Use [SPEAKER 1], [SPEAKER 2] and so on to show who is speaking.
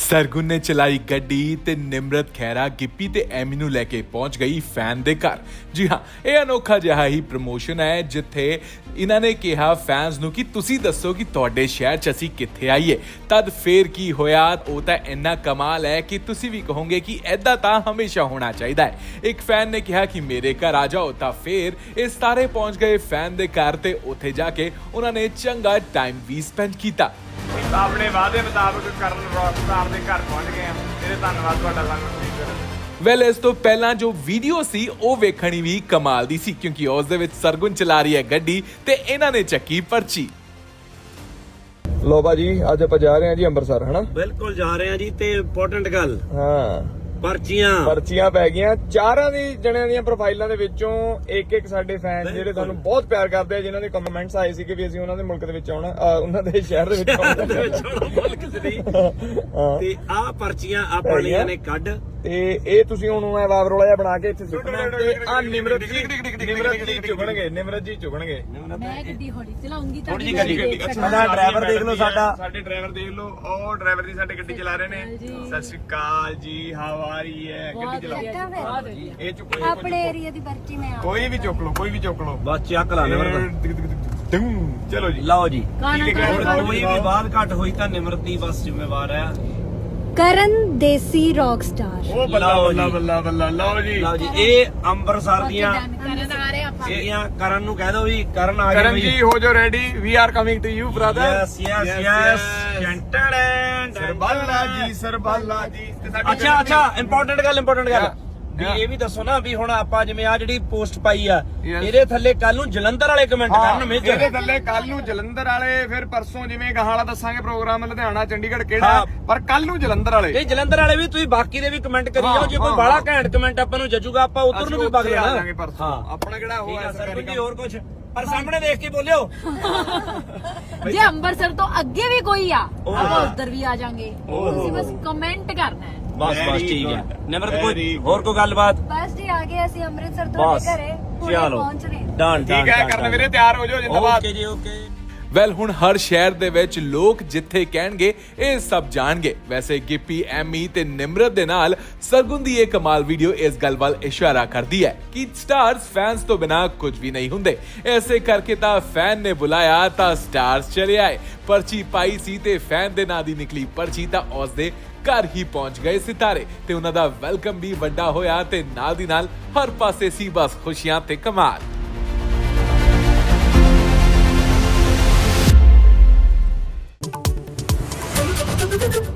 [SPEAKER 1] ਸਰਗੁਣ ਨੇ ਚਲਾਈ ਗੱਡੀ ਤੇ ਨਿਮਰਤ ਖਹਿਰਾ ਗਿੱਪੀ ਤੇ ਐਮੀ ਨੂੰ ਲੈ ਕੇ ਪਹੁੰਚ ਗਈ ਫੈਨ ਦੇ ਘਰ। ਜੀ ਹਾਂ, ਇਹ ਅਨੋਖਾ ਜਿਹਾ ਹੀ ਪ੍ਰਮੋਸ਼ਨ ਹੈ ਜਿੱਥੇ ਇਹਨਾਂ ਨੇ ਕਿਹਾ ਫੈਨਸ ਨੂੰ ਕਿ ਤੁਸੀਂ ਦੱਸੋ ਕਿ ਤੁਹਾਡੇ ਸ਼ਹਿਰ 'ਚ ਅਸੀਂ ਕਿੱਥੇ ਆਈਏ। ਤਦ ਫੇਰ ਕੀ ਹੋਇਆ, ਉਹ ਤਾਂ ਇੰਨਾ ਕਮਾਲ ਹੈ ਕਿ ਤੁਸੀਂ ਵੀ ਕਹੋਗੇ ਕਿ ਐਦਾਂ ਤਾਂ ਹਮੇਸ਼ਾ ਹੋਣਾ ਚਾਹੀਦਾ ਹੈ। ਇੱਕ ਫੈਨ ਨੇ ਕਿਹਾ ਕਿ ਮੇਰੇ ਘਰ ਆ ਜਾਓ, ਤਾਂ ਫੇਰ ਇਹ ਸਾਰੇ ਪਹੁੰਚ ਗਏ ਫੈਨ ਦੇ ਘਰ ਤੇ ਉੱਥੇ ਜਾ ਕੇ ਉਹਨਾਂ ਨੇ ਚੰਗਾ ਟਾਈਮ ਵੀ ਸਪੈਂਡ ਕੀਤਾ।
[SPEAKER 2] ਆਪਣੇ ਵਾਅਦੇ ਮੁਤਾਬਕ ਕਰਨ ਰੌਕਸਟਾਰ ਦੇ ਘਰ ਪਹੁੰਚ ਗਏ ਆ। ਤੇਰੇ ਧੰਨਵਾਦ ਤੁਹਾਡਾ ਸਾਨੂੰ ਠੀਕ ਕਰਨ।
[SPEAKER 1] ਵੈਲ ਇਸ ਤੋਂ ਪਹਿਲਾਂ ਜੋ ਵੀਡੀਓ ਸੀ ਉਹ ਵੇਖਣੀ ਵੀ ਕਮਾਲ ਦੀ ਸੀ, ਕਿਉਂਕਿ ਉਸ ਦੇ ਵਿੱਚ ਸਰਗੁਣ ਚਲਾ ਰਹੀ ਹੈ ਗੱਡੀ ਤੇ ਇਹਨਾਂ ਨੇ ਚੱਕੀ ਪਰਚੀ।
[SPEAKER 3] ਲੋ ਭਾਜੀ, ਅੱਜ ਆਪਾਂ ਜਾ ਰਹੇ ਹਾਂ ਜੀ ਅੰਮ੍ਰਿਤਸਰ, ਹਨਾ?
[SPEAKER 4] ਬਿਲਕੁਲ ਜਾ ਰਹੇ ਆ ਜੀ। ਤੇ ਇੰਪੋਰਟੈਂਟ ਗੱਲ,
[SPEAKER 3] ਹਾਂ, ਪਰਚੀਆਂ ਪੈ ਗਈਆਂ। ਚਾਰਾਂ ਦੀ ਜਣਿਆਂ ਦੀਆਂ ਪ੍ਰੋਫਾਈਲਾਂ ਦੇ ਵਿੱਚੋਂ ਇੱਕ ਸਾਡੇ ਫੈਨ ਜਿਹੜੇ ਤੁਹਾਨੂੰ ਬਹੁਤ ਪਿਆਰ ਕਰਦੇ ਆ, ਜਿਨ੍ਹਾਂ ਦੇ ਕਮੈਂਟਸ ਆਏ ਸੀ ਕਿ ਵੀ ਅਸੀਂ ਉਹਨਾਂ ਦੇ ਮੁਲਕ ਦੇ ਵਿੱਚ ਆਉਣਾ, ਉਹਨਾਂ ਦੇ ਸ਼ਹਿਰ ਦੇ ਵਿੱਚ ਆਉਣਾ।
[SPEAKER 4] ਤੇ ਆਹ ਪਰਚੀਆਂ ਆਪਾਂ ਲਈਆਂ ਨੇ ਕੱਢ,
[SPEAKER 3] ਤੇ ਇਹ ਤੁਸੀਂ ਹੁਣ ਵਾਵ ਰੋਲਾ ਜਿਹਾ ਬਣਾ ਕੇ ਇੱਥੇ ਸੁੱਟਣਾ ਤੇ ਆ ਨਿਮਰਤ ਜੀ ਚੁਗਣਗੇ।
[SPEAKER 5] ਮੈਂ ਗੱਡੀ ਹੌਲੀ ਚਲਾਉਂਗੀ ਤਾਂ
[SPEAKER 4] ਥੋੜੀ ਜਿਹੀ ਗੱਡੀ। ਅੱਛਾ, ਡਰਾਈਵਰ ਦੇਖ ਲਓ
[SPEAKER 2] ਸਾਡੇ ਡਰਾਈਵਰ ਦੇਖ ਲਓ, ਉਹ ਡਰਾਈਵਰ ਦੀ ਸਾਡੀ ਗੱਡੀ ਚਲਾ ਰਹੇ ਨੇ। ਸਤਿ ਸ਼੍ਰੀ ਅਕਾਲ ਜੀ, ਹਾਊ ਆਰ ਯੂ? ਗੱਡੀ ਚਲਾਓ। ਇਹ ਚੁੱਕੋ
[SPEAKER 5] ਆਪਣੇ ਏਰੀਆ ਦੀ ਪਰਚੀ ਮੈਂ
[SPEAKER 2] ਕੋਈ ਵੀ ਚੁੱਕ ਲਓ,
[SPEAKER 4] ਬਸ ਚੱਕ ਲਾ ਨਿਮਰਤ।
[SPEAKER 2] ਚਲੋ ਜੀ,
[SPEAKER 4] ਲਓ ਜੀ।
[SPEAKER 5] ਕਾਣਾ
[SPEAKER 4] ਕੋਈ ਵੀ ਬਾਤ ਘੱਟ ਹੋਈ ਤਾਂ ਨਿਮਰਤ ਦੀ ਬਸ ਜ਼ਿੰਮੇਵਾਰ ਹੈ।
[SPEAKER 5] ਕਰਨ ਦੇਸੀ ਰੌਕ ਸਟਾਰ।
[SPEAKER 2] ਉਹ ਬੱਲਾ ਲਓ ਜੀ।
[SPEAKER 4] ਲਓ ਜੀ, ਇਹ ਅੰਮ੍ਰਿਤਸਰ ਦੀਆਂ
[SPEAKER 5] ਕਰਨ ਆ ਰਹੇ ਆਪਾਂ।
[SPEAKER 4] ਇਹਦੀਆਂ ਕਰਨ ਨੂੰ ਕਹਿ ਦੋ ਵੀ ਕਰਨ ਆ
[SPEAKER 2] ਕਰਨ
[SPEAKER 4] ਗਏ
[SPEAKER 2] ਜੀ, ਹੋ ਜਾਓ ready, we are coming to you brother.
[SPEAKER 4] Yes
[SPEAKER 2] ਸਰਬਾਲਾ ਜੀ। ਤੇ ਸਾਡੀ
[SPEAKER 4] ਅੱਛਾ, ਇੰਪੋਰਟੈਂਟ ਗੱਲ ਵੀ ਇਹ ਵੀ ਦੱਸੋ ਨਾ ਵੀ ਹੁਣ ਆਪਾਂ ਜਿਵੇਂ ਆ ਜਿਹੜੀ ਪੋਸਟ ਪਾਈ ਆ, ਇਹਦੇ ਥੱਲੇ ਕੱਲ ਨੂੰ ਜਲੰਧਰ ਵਾਲੇ ਕਮੈਂਟ ਕਰਨ ਮੇਜਰ।
[SPEAKER 2] ਇਹਦੇ ਥੱਲੇ ਕੱਲ ਨੂੰ ਜਲੰਧਰ ਵਾਲੇ, ਫਿਰ ਪਰਸੋਂ ਜਿਵੇਂ ਗਾਹਾਂ ਵਾਲਾ ਦੱਸਾਂਗੇ ਪ੍ਰੋਗਰਾਮ ਲੁਧਿਆਣਾ ਚੰਡੀਗੜ੍ਹ ਕਿਹੜਾ, ਪਰ ਕੱਲ ਨੂੰ ਜਲੰਧਰ ਵਾਲੇ।
[SPEAKER 4] ਇਹ ਜਲੰਧਰ ਵਾਲੇ ਵੀ ਤੁਸੀਂ ਬਾਕੀ ਦੇ ਵੀ ਕਮੈਂਟ ਕਰੀ ਜਾਓ। ਜੇ ਕੋਈ ਬਾਹਲਾ ਘੈਂਟ ਕਮੈਂਟ ਆਪਾਂ ਨੂੰ ਜੱਜੂਗਾ, ਆਪਾਂ ਉਧਰ ਨੂੰ ਵੀ ਵਗ ਜਾਣਾ।
[SPEAKER 2] ਪਰਸੋਂ ਆਪਣਾ ਕਿਹੜਾ ਹੋਇਆ
[SPEAKER 4] ਸਰਗੁਣ ਜੀ, ਹੋਰ ਕੁਝ ਪਰ ਸਾਹਮਣੇ ਦੇਖ ਕੇ ਬੋਲਿਓ।
[SPEAKER 5] ਜੇ ਅੰਮ੍ਰਿਤਸਰ ਤੋਂ ਅੱਗੇ ਵੀ ਕੋਈ ਆ, ਆਪਾਂ ਉਧਰ ਵੀ ਆ ਜਾਾਂਗੇ। ਤੁਸੀਂ ਬਸ ਕਮੈਂਟ ਕਰਨਾ ਹੈ।
[SPEAKER 4] ਬਸ ਠੀਕ ਹੈ। ਨਿਮਰਤ, ਕੋਈ ਹੋਰ ਕੋਈ ਗੱਲਬਾਤ?
[SPEAKER 5] ਬਸ ਜੀ, ਆ ਗਏ ਅਸੀਂ ਅੰਮ੍ਰਿਤਸਰ ਤੋਂ ਘਰੇ,
[SPEAKER 4] ਚਲੋ
[SPEAKER 5] ਪਹੁੰਚ ਰਹੇ।
[SPEAKER 4] ਡਨ।
[SPEAKER 2] ਠੀਕ ਹੈ, ਕਰਨ ਵੀਰੇ ਤਿਆਰ ਹੋ ਜਾਓ, ਜਿੰਦਾਬਾਦ।
[SPEAKER 4] ਓਕੇ ਜੀ, ਓਕੇ।
[SPEAKER 1] ਵੈਲ ਹੁਣ ਹਰ ਸ਼ਹਿਰ ਦੇ ਵਿੱਚ ਲੋਕ ਜਿੱਥੇ ਕਹਿਣਗੇ ਇਹ ਸਭ ਜਾਣਗੇ। ਵੈਸੇ ਗਿੱਪੀ, ਐਮੀ ਤੇ ਨਿਮਰਤ ਦੇ ਨਾਲ ਸਰਗੁਣ ਦੀ ਇਹ ਕਮਾਲ ਵੀਡੀਓ ਇਸ ਗੱਲ ਵੱਲ ਇਸ਼ਾਰਾ ਕਰਦੀ ਹੈ ਕਿ ਸਟਾਰਸ ਫੈਨਸ ਤੋਂ ਬਿਨਾ ਕੁਝ ਵੀ ਨਹੀਂ ਹੁੰਦੇ। ਐਸੇ ਕਰਕੇ ਤਾਂ ਫੈਨ ਨੇ ਬੁਲਾਇਆ ਤਾਂ ਸਟਾਰਸ ਚਲੇ ਆਏ। ਪਰਚੀ ਪਾਈ ਸੀ ਤੇ ਫੈਨ ਦੇ ਨਾਂ ਦੀ ਨਿਕਲੀ ਪਰਚੀ ਤਾਂ ਉਸ ਦੇ ਘਰ ਹੀ ਪਹੁੰਚ ਗਏ ਸਿਤਾਰੇ ਤੇ ਉਹਨਾਂ ਦਾ ਵੈਲਕਮ ਵੀ ਵੱਡਾ ਹੋਇਆ ਤੇ ਨਾਲ ਦੀ ਨਾਲ ਹਰ ਪਾਸੇ ਸੀ ਬਸ ਖੁਸ਼ੀਆਂ ਤੇ ਕਮਾਲ।
[SPEAKER 6] Thank you.